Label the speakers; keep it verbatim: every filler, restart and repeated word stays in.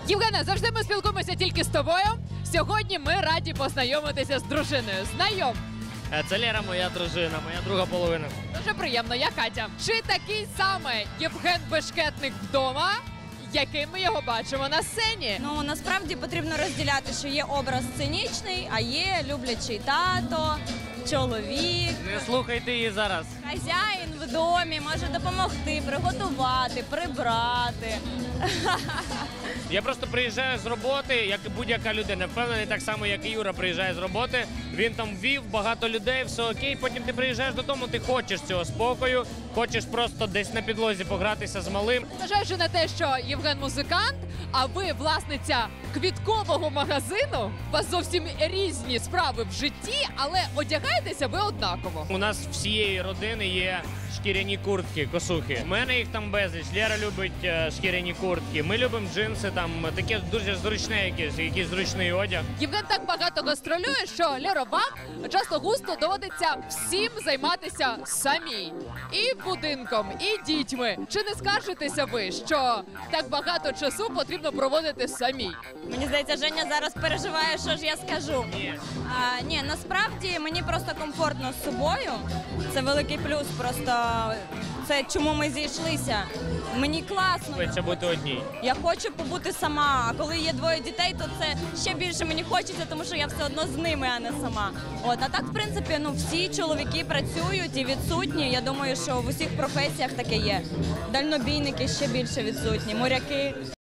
Speaker 1: Євгене, завжди ми спілкуємося тільки з тобою. Сьогодні ми раді познайомитися з дружиною. Знайом.
Speaker 2: Це Лера, моя дружина, моя друга половина.
Speaker 1: Дуже приємно, я Катя. Чи такий самий Євген Бешкетник вдома, яким ми його бачимо на сцені?
Speaker 3: Ну, насправді потрібно розділяти, що є образ сценічний, а є люблячий тато, чоловік,
Speaker 2: Не слухайте її зараз.
Speaker 3: хазяїн в домі, може допомогти, приготувати, прибрати.
Speaker 2: Я просто приїжджаю з роботи, як і будь-яка людина. Впевнений, так само, як і Юра приїжджає з роботи. Він там вів, багато людей, все окей. Потім ти приїжджаєш додому, ти хочеш цього спокою, хочеш просто десь на підлозі погратися з малим.
Speaker 1: Зважаючи на те, що Євген музикант, а ви власниця квіткового магазину, у вас зовсім різні справи в житті, але одягаєтеся ви однаково.
Speaker 2: У нас всієї родини є шкіряні куртки, косухи. У мене їх там безліч. Лера любить е, шкіряні куртки. Ми любимо джинси, там таке дуже зручне якесь, якийсь зручний одяг.
Speaker 1: Євген так багато гастролює, що Леро, вам часто густо доводиться всім займатися самі. І будинком, і дітьми. Чи не скаржитеся ви, що так багато часу потрібно проводити самі?
Speaker 3: Мені здається, Женя зараз переживає, що ж я скажу.
Speaker 2: Ні.
Speaker 3: А, ні, насправді мені просто комфортно з собою. Це великий плюс, просто це чому ми зійшлися. Мені класно.
Speaker 2: Хочеться бути одній.
Speaker 3: Я хочу побути сама, а коли є двоє дітей, то це ще більше мені хочеться, тому що я все одно з ними, а не сама. От, а так, в принципі, ну всі чоловіки працюють і відсутні. Я думаю, що в усіх професіях таке є. Дальнобійники ще більше відсутні, моряки.